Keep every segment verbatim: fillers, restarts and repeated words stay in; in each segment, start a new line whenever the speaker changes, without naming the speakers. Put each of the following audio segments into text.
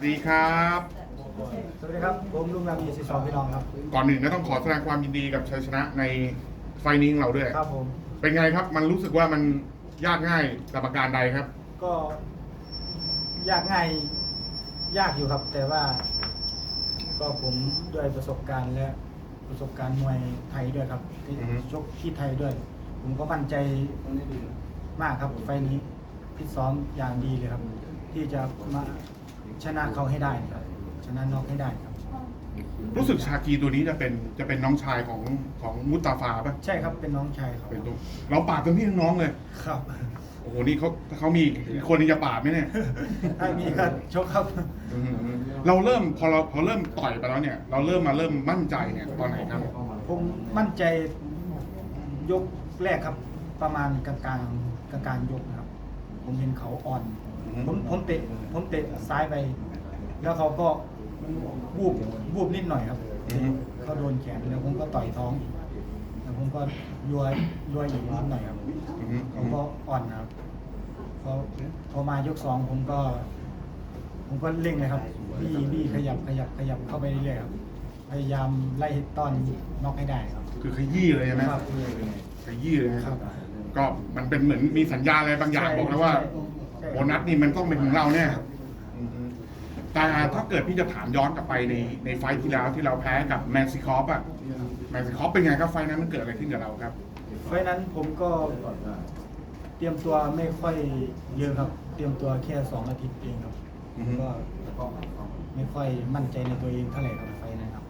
ดีครับ
สวัสดีครับผมลุงรามีสิสองพี่น้องครับ
ก่อนหนึ่งก็ต้องขอแสดงความยินดีกับชัยชนะในไฟล์นี้ของเราด้วย
ครับผม
เป็นไงครับมันรู้สึกว่ามันยากง่ายกับประการใดครับ
ก็ยากง่ายยากอยู่ครับ แต่ว่าก็ผมด้วยประสบการณ์และประสบการณ์มวยไทยด้วยครับที่ชกที่ไทยด้วย ผมก็มั่นใจมากครับไฟล์นี้พิตซ้อมอย่างดีเลยครับ ที่จะมาชนะเขาให้ได้ครับชนะน็อกให้ได้ครับ
รู้สึกชากีตัวนี้จะเป็นจะเป็นน้องชายของของมุตตาฟาป่ะ
ใช่ครับเป็นน้องชายเขา
เป็นตัวเราปราบเป็นพี่น้องเลย
ครับ
โอ้โหนี่เขาเขามีคนที่จะปราบไหมเนี่ย
ถ้ามีก็ชกครับ
เราเริ่มพอเราพอเริ่มต่อยไปแล้วเนี่ยเราเริ่มมาเริ่มมั่นใจเนี่ยตอนไหนครับ
ผมมั่นใจยกแรกครับประมาณกลางกลางกลางกลางยกนะครับผมเห็นเขาอ่อนผมผมเตะผมเตะซ้ายไปแล้วเขาก็วูบวูบนิดหน่อยครับเขาโดนแขนแล้วผมก็ต่อยท้องแล้วผมก็ยัวยัวอีกนิดหน่อยครับเขาก็อ่อนนะครับพอพอมายกสองผมก็ ผมก็เร่งเลยครับบี้บี้ขยับขยับขยับเข้าไปเรื่อยๆครับพยายามไล่ต้อนน็อกให้ได้ครับ
คือขยี้เลยใช่ไหม
ครับ
ขยี้เลยครับก็มันเป็นเหมือนมีสัญญาอะไรบางอย่างบอกแล้วว่าโบนัสนี่มันต้องเป็นของเราเนี่ยแต่ถ้าเกิดพี่จะถามย้อนกลับไปในในไฟท์ที่แล้วที่เราแพ้กับแมนซิคอฟอะแมนซิคอฟเป็นไงครับไฟท์นั้นมันเกิดอะไรขึ้นกับเราครับ
ไฟท์นั้นผมก็เตรียมตัวไม่ค่อยเยอะครับ เตรียมตัวแค่สองอาทิตย์เองครับก็ไม่ค่อยมั่นใจในตัวเองเท่าไหร่ครับไฟท์นั้นครับ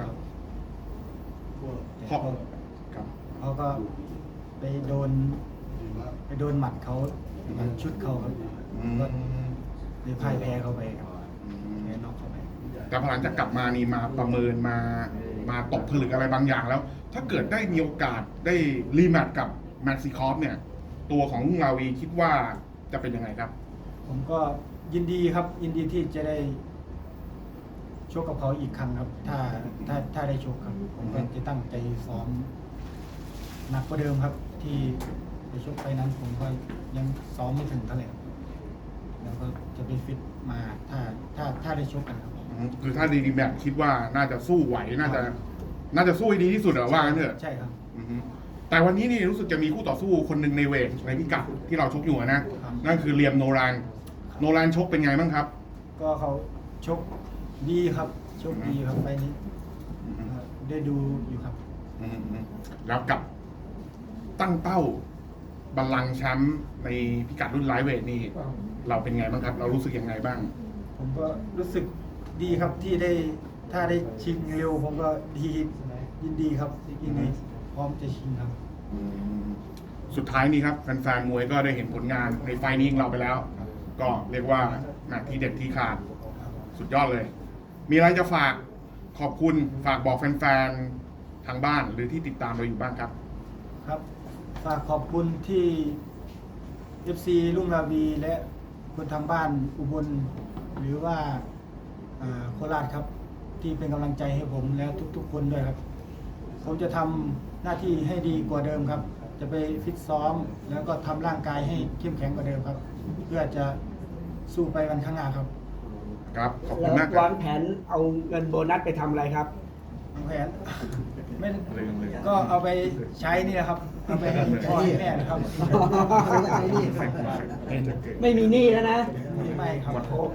ขอบ
ครับเขาก็ไปโดนไปโดนหมัดเขามันชุดเขาครับก็เลยพ่ายแพ้เขาไปครับแพ้นอกเขาไป
แต่พอหลังจากกลับมานี่มาประเมินมามาตกผลึกอะไรบางอย่างแล้ว ถ้าเกิดได้มีโอกาสได้รีแมตช์กับแมนซิคอฟเนี่ยตัวของลาวีคิดว่าจะเป็นยังไงครับ
ผมก็ยินดีครับยินดีที่จะได้ชกกับเขาอีกครั้งครับ ถ้าถ้าถ้าได้ชกครับผมก็จะตั้งใจซ้อมหนักกว่าเดิมครับ ที่ไปชกไปนั้นผมก็ยังซ้อมไม่ถึงเท่าไหร่แล้วก็จะไปฟิตมาถ้าถ้าถ้าได้ชกกันครับ
คือถ้าดีแบบคิดว่าน่าจะสู้ไหวน่าจะน่าจะสู้ให้ดีที่สุดเหรอว่างั้นเถอะ
ใช่ครับ
แต่วันนี้นี่รู้สึกจะมีคู่ต่อสู้คนหนึ่งในเวทในพิกัดที่เราชกอยู่นะนั่นคือเลียมโนรานโนรานชกเป็นไงบ้างครับ
ก็เขาชกดีครับชกดีครับไปนี้ได้ดูอยู่ครับ
แล้วกับตั้งเป้าบัลลังก์แชมป์ในพิกัดรุ่นไลท์เวทนี่เราเป็นไงบ้างครับเรารู้สึกยังไงบ้าง
ผมก็รู้สึกดีครับที่ได้ถ้าได้ชิงเร็วผมก็ดียินดีครับยินดีพร้อมจะชิงครับ
สุดท้ายนี้ครับแฟนๆมวยก็ได้เห็นผลงานในไฟนี้ของเราไปแล้วก็เรียกว่าหนักที่เด็ดที่ขาดสุดยอดเลยมีอะไรจะฝากขอบคุณฝากบอกแฟนๆทางบ้านหรือที่ติดตามเราอยู่บ้างครับ
ครับฝากขอบคุณที่ เอฟ ซี ลุงราวีและคนทางบ้านอุบลหรือว่าโคราชครับที่เป็นกำลังใจให้ผมและทุกๆคนด้วยครับผมจะทำหน้าที่ให้ดีกว่าเดิมครับจะไปฟิตซ้อมแล้วก็ทำร่างกายให้เข้มแข็งกว่าเดิมครับเพื่อจะสู้ไปวันข้างหน้าครับ
ครับขอบคุณมากครับ
วางแผนเอาเงินโบนัสไปทำอะไรครับ
วางแผนไม่ก็เอาไปใช้นี่นะครับเอาไปให้พ่อให้แม่นะครับ
ไม่มีหนี้แล้วนะ
ไม่ครับ